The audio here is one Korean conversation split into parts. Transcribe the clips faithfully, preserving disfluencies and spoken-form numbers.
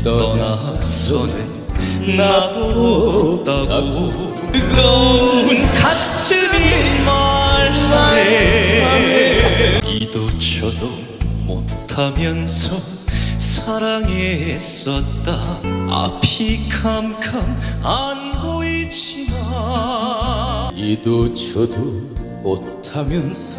떠나서는 나도 없다고 뜨거운 가슴이 말하네. 이도 저도 못하면서 사랑했었다. 앞이 캄캄 안 보이지만 이도 저도 못하면서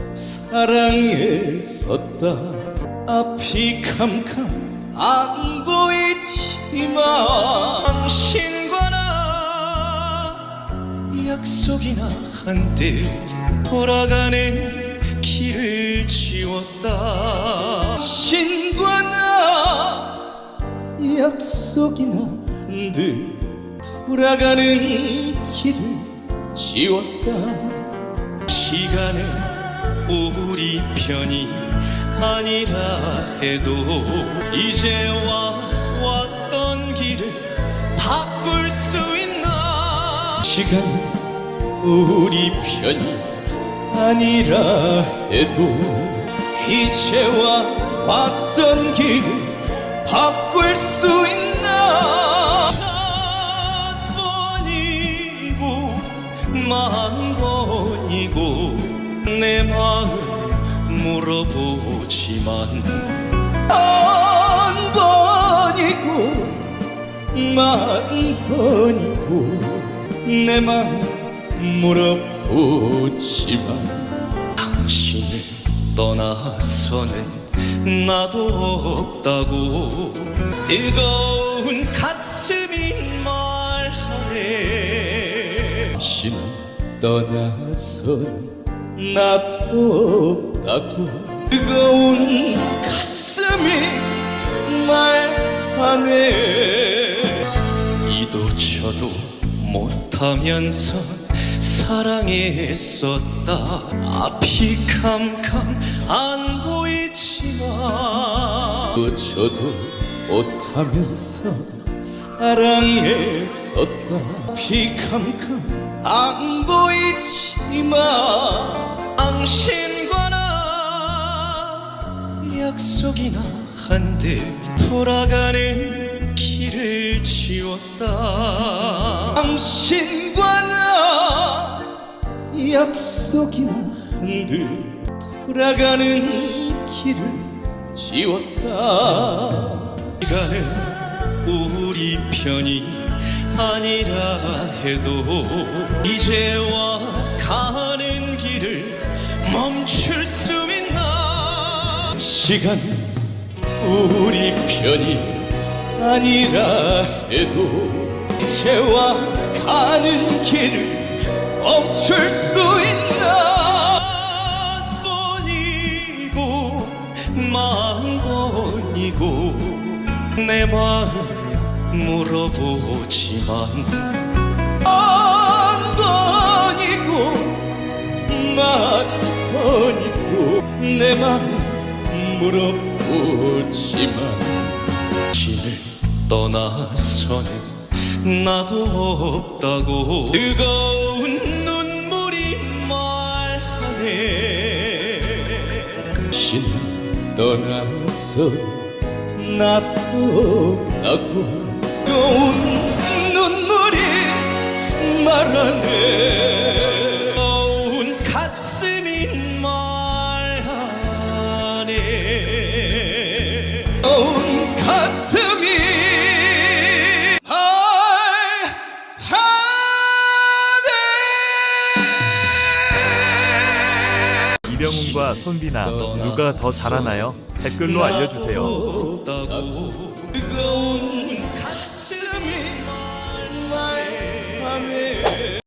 사랑했었다. 앞이 캄캄 안 보이지만 당신과 나 약속이나 한때 돌아가는 길을 지웠다. 당신과 나 약속이나 한들 돌아가는 길을 지웠다. 시간은 우리 편이 아니라 해도 이제와 왔던 길을 바꿀 수 있나. 시간은 우리 편이 아니라 해도 이제와 왔던 길을 바꿀 수 있나. 한 번이고 만 번이고 내 마음 물어보지만 한 번이고 만 번이고 내 맘 물어보지만 당신을 떠나서는 나도 없다고 뜨거운 가슴이 말하네. 당신을 떠나서는 나도 없다고 뜨거운 가슴이 말하네. 이도 저도 못하면서 사랑했었다. 앞이 캄캄 안 보이지만 또 저도 못하면서 사랑했었다. 앞이 캄캄 안 보이지만 당신과 나 약속이나 한데 돌아가는 길을 지웠다. 당신과 나 약속이나 한들 돌아가는 길을 지웠다. 시간은 우리 편이 아니라 해도 이제와 가는 길을 멈출 수 있나. 시간 우리 편이 아니라 해도 이제와 가는 길을 멈출 수 있나. 한 번이고 만 번이고 내 마음 물어보지만 한 번이고 만 번이고 내 맘 물어보지만 당신을 떠나서는 나도 없다고 뜨거운 눈물이 말하네. 당신을 떠나서 나도 없다고 뜨거운 눈물이 말하네. 뜨거운 가슴이 말하네. 뜨거운 가슴이 말하네. 이병훈과 손비나 누가 더 잘하나요? 댓글로 알려주세요. 뜨거운 가슴이 말하네.